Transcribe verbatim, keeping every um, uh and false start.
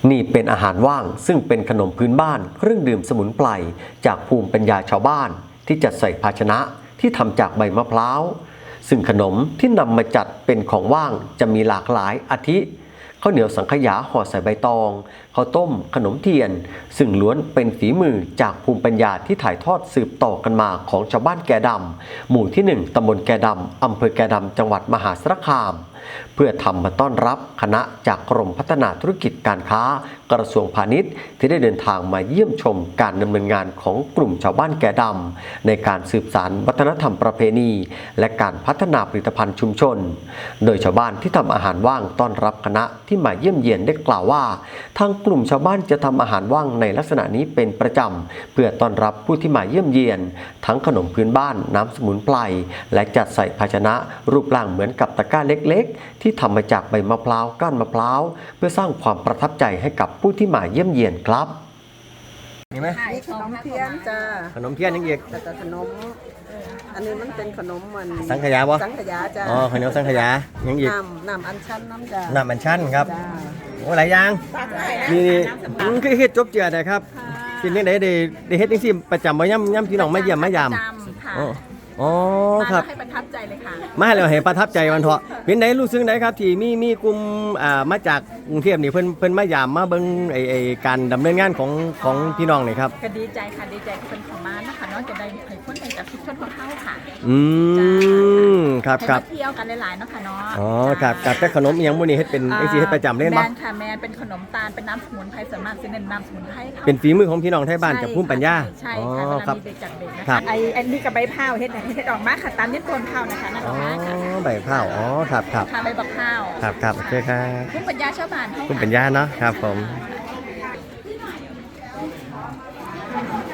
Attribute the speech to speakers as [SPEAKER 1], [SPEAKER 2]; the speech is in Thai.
[SPEAKER 1] นี่เป็นอาหารว่างซึ่งเป็นขนมพื้นบ้านเครื่องดื่มสมุนไพรจากภูมิปัญญาชาวบ้านที่จัดใส่ภาชนะที่ทำจากใบมะพร้าวซึ่งขนมที่นำมาจัดเป็นของว่างจะมีหลากหลายอาทิข้าวเหนียวสังขยาห่อใส่ใบตองข้าวต้มขนมเทียนซึ่งล้วนเป็นฝีมือจากภูมิปัญญาที่ถ่ายทอดสืบต่อกันมาของชาวบ้านแกดำหมู่ที่หนึ่งตำบลแกดำอำเภอแกดำจังหวัดมหาสารคามเพื่อทำมาต้อนรับคณะจากกรมพัฒนาธุรกิจการค้ากระทรวงพาณิชย์ที่ได้เดินทางมาเยี่ยมชมการดำเนินงานของกลุ่มชาวบ้านแกดำในการสืบสานวัฒนธรรมประเพณีและการพัฒนาผลิตภัณฑ์ชุมชนโดยชาวบ้านที่ทำอาหารว่างต้อนรับคณะที่มาเยี่ยมเยียนได้กล่าวว่าทางกลุ่มชาวบ้านจะทำอาหารว่างในลักษณะนี้เป็นประจำเพื่อต้อนรับผู้ที่มาเยี่ยมเยียนทั้งขนมพื้นบ้านน้ำสมุนไพรและจัดใส่ภาชนะรูปร่างเหมือนกับตะกร้าเล็กๆที่ทำมาจากใบมะพร้าวก้านมะพร้าวเพื่อสร้างความประทับใจให้กับผู้ที่มาเยี่ยมเยียนครับ
[SPEAKER 2] มีไหม
[SPEAKER 3] มีขนมเทียนจ้า
[SPEAKER 2] ขนมเทียนยังอีก
[SPEAKER 3] แต่แต่ขนมอันนี้มันเป็นขนมมัน
[SPEAKER 2] สังขยาบ่
[SPEAKER 3] สังขยาจ้า
[SPEAKER 2] อ๋อขนมสังขยายังอีก
[SPEAKER 3] น้ำน้ำอัญชันน้ำจ้า
[SPEAKER 2] น้ำอัญชันครับ
[SPEAKER 3] จ้า
[SPEAKER 2] โอ้หลายอย่างนี่คือเฮ็ดจบเจือได้ครับเป็นยังไงได้ได้เฮ็ดจังซี่ประจำบ่ย่ำย่ำพี่น้องมาเยี่ยมมายามอ๋ออ๋อครับ
[SPEAKER 4] ให้ประทับใจเลยค่ะ
[SPEAKER 2] มาแล้วให้ประทับใจวันเถาะเป็นไหนรู้สึกไหนครับที่มีมีกลุ่มอ่ามาจากกรุงเทพนี่เพิ่นเพิ่นมายามมาเบิ่งไอ้ไอ้การดำเนินงานของของพี่น้องนี่ครับ
[SPEAKER 4] ก็ดีใจค่ะดีใจที่เป็นของมานะคะเนาะจะได้ให้คนในจากทุกชนของเขาค่ะ
[SPEAKER 2] อืมครับครับ
[SPEAKER 4] เที่ยวกันหลายๆเนาะค่ะเนาะ
[SPEAKER 2] อ๋อครับครับแต่ขนมอีหยังมื้อนี้เฮ็ดเป็นจังซี่เฮ็ดประจำเล่นบ่
[SPEAKER 4] แม่นค่ะแม่นเป็นขนมตาลเป็นน้ำสมุนไพรส่วนมากสิเน้นน้ำสมุนไพรค่ะ
[SPEAKER 2] เป็นฝีมือของพี่น้องไทยบ้านจากภูมิปัญญา
[SPEAKER 4] ใช่ค่ะเวลามีเด็กจากเด็กนะคะไอ้ไอ้นี่กับใบพร้าวเฮ็ดเฮ็ดออกมาค่ะตามนี้ต้นพร้าวนะคะนั่นออกมาค่ะ
[SPEAKER 2] อ๋อใบพร้าวอ๋อครับครับ
[SPEAKER 4] ค่ะใบบักพร้าว
[SPEAKER 2] ครับครับโอเคครับ
[SPEAKER 4] ภูมิปัญญาชาวบ้าน
[SPEAKER 2] ภูมิปัญญาเนาะครับผม